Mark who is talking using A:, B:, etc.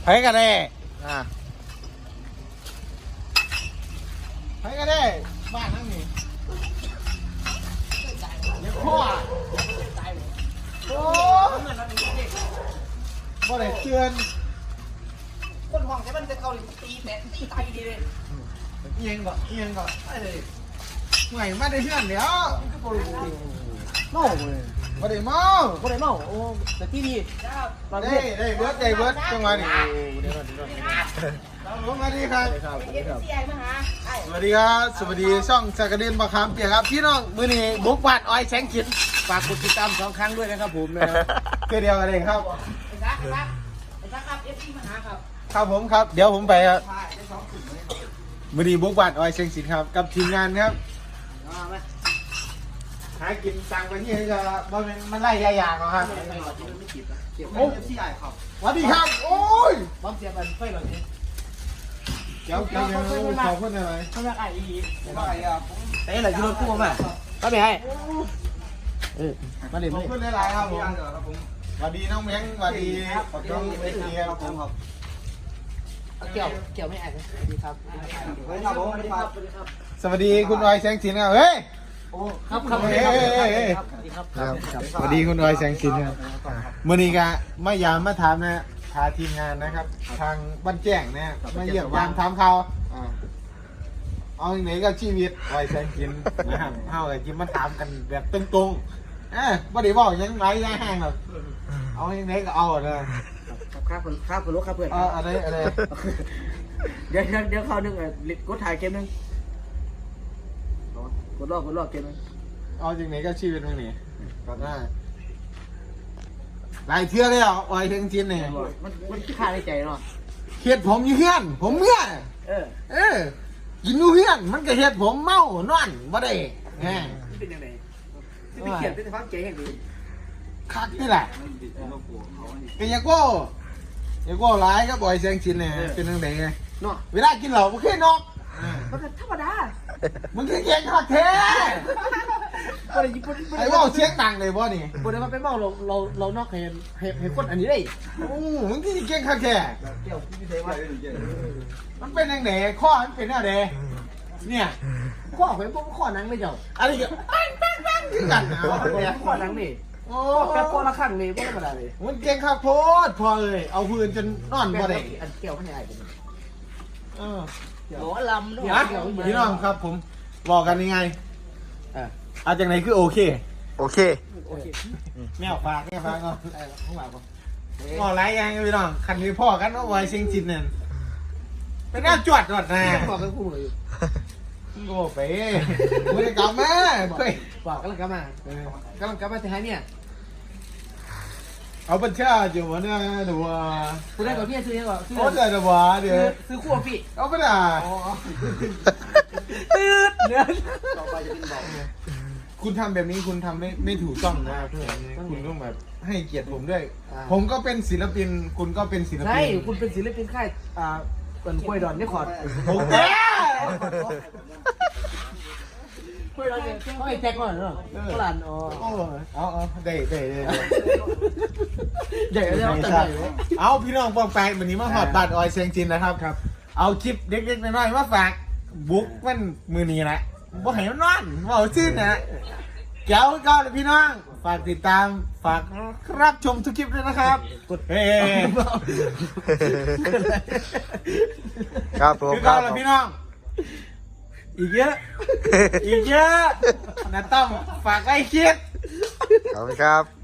A: ไผกันได้ไผกันได้บ้านนั่งนี่เดี๋ยวพ่อโอ้บ่ได้เตือน
B: คนห้องใช้มันจะเกาหลีตีแตะตีตายดีเลย
A: เอียงก่อนไหวมาได้เพื่อนเดี๋ยวเมาเลยบ่ได้เมาโอ้แต่ที่ดีได้เบิร์ดจังหวะนี้สวัสดีครับสวัสดีครับสวัสดีช่องจักรเด่นบะขามเปียกครับพี่น้องมื้อนี้บุกบ้านอ้อยแสงขินฝากกดติดตาม2 ครั้งด้วยนะครับผมนะครับคือเดียวกันเองครับครับผมครับเดี๋ยวผมไปครับมื้อนี้บุกบ้านอ้อยแสงขินครับกับทีมงานครับหากินตังไปที่นี่ก็มันไล่ยากๆครับโอ้สวัสดีครับโอ้ยบ้องเสียบันไฟหรอเนี่ยเจ้าขอพูดหน่อยเขาอยากไอ้อีแต่อะไรที่รถกู้มาก็ไม่ให้มาเดี๋ยวขอบคุณหลายๆครับผมสวัสดีน้องแมงสวัสดีน้องเอเชียครับผมครับ
B: เกี่ยวไม่ไอ้สวัสดีครับ
A: สวัสดีคุณออยแสงสินครับเฮ้ย
B: ครับ
A: สวัสดีคุณออยแสงสินครับมื่อนี้ก็ไม่ยามมาถามนะพาทีมงานนะครับทางบ้านแจ้งนะมาเยี่ยมยามถามเขาเอาไหนก็ชีวิตออยแสงสินนะครับเอาไอ้ที่มาถามกันแบบตรงๆไม่ได้บอกยังไงย่าแห้งหรอกเอาไหนก็เอาเลย
B: ครับคุณลูกครับเพื่อน
A: อะไร
B: เดี๋ยวเขาหนึ่งกดถ่ายเกมนึงกดรอบเกมนึง
A: เอาจริงไหนก็ชีวิตมึงนี่ก็ได้หลายเทื่อเลยอ่ะออยแสงสินเนี่ย
B: มันค่าในใจเนาะ
A: เฮ็ดผมอยู่เฮือนผมเมื่อกินอยู่เฮือนมันก็เฮ็ดผมเมานอนบ่ได้แหม
B: เป็นยังไงที่เขียนเป็นฟังเจ๋งอย่างดี
A: คักนี่แหละเป็นยังโก้ร้ายก็บ่อยแสงสินเนี่ยเป็นจังได๋ไง
B: เนาะ
A: เวลากินเหล้าบ่เคยนอก
B: มันก็ธรรมดา
A: มันคือเก่งคักแท้ไอ้เว้าเสียงดังเลยบ่นี่
B: บ่ได้มาเป็นเมาเรานอกให้คนอันนี้ได้
A: มึงที่เก่งคักแท้
B: เกี่ยวพี่เสว่า
A: มันเป็นจังได๋ข้อมันเป็นแนวใดเนี่ย
B: ข้อเป็นพวกข้อนังเลยเจ้า
A: อะไรก็ปังคือกันนะ
B: ข้อนังนี่โอ้แป๊บข้อละขั้นนี่บ่ธรรมดาเลย
A: มันเก่งคักโพดพอเลยเอาพื้นจนนอนบ่ได้
B: อันเกี่ยวมันใหญ่เป็นหมอลำด้วย
A: พี่น้องครับผมบอกกันยังไงเอาจากไหนคือโอเคแมวฝากก่อนข้างหลังบอกไรยังพี่น้องคันนี้พ่อกันว่าไว้เชียงจินเนี่ยเป็นหน้าจวดนะ
B: บอกกันคู่เลย
A: โง่ไปไม่ได้กลับมา
B: บอกกำลังกลับมาแต่หายเนี่ย
A: เอาบัญชีอยู่วะเนี่ยเดี๋ยว
B: คุณได้กับพี่ซื้อยังก่อน
A: โอ้เดี๋ยวเดี๋ยว
B: ซื้อคู่พี่
A: เอาไปด่า
B: ตืดเนื้อ
A: ต่อไปจะเป็นเบาคุณทำแบบนี้คุณทำไม่ถูกต้องนะเพื่อนคุณต้องแบบให้เกียรติผมด้วยผมก็เป็นศิลปินคุณก็เป็นศิลปิน
B: ใช่คุณเป็นศิลปินค่ายเป็นคุยดอนนี่ขอด
A: ผมแก่
B: คุยดอนเนี่ยเขาให้แจ็คก่อนเนาะฝรั่ง
A: เอาได้
B: เอา
A: พี่น้องปองแปงวันนี้มาหอดบัตรออยเซียงจินนะครับเอาคลิปเล็กๆน้อยๆมาฝากบุ๊กมันมือนี้แหละบ่ให้มันนอนบ่เอาชื่อนะเจ้าก็เลยพี่น้องฝากติดตามฝากรับชมทุกคลิปด้วยนะครับกด
C: ครับผม
A: ก็เลยพี่น้องอีกเยอะนะต้องฝากไอ้คิด
C: ขอบคุณครับ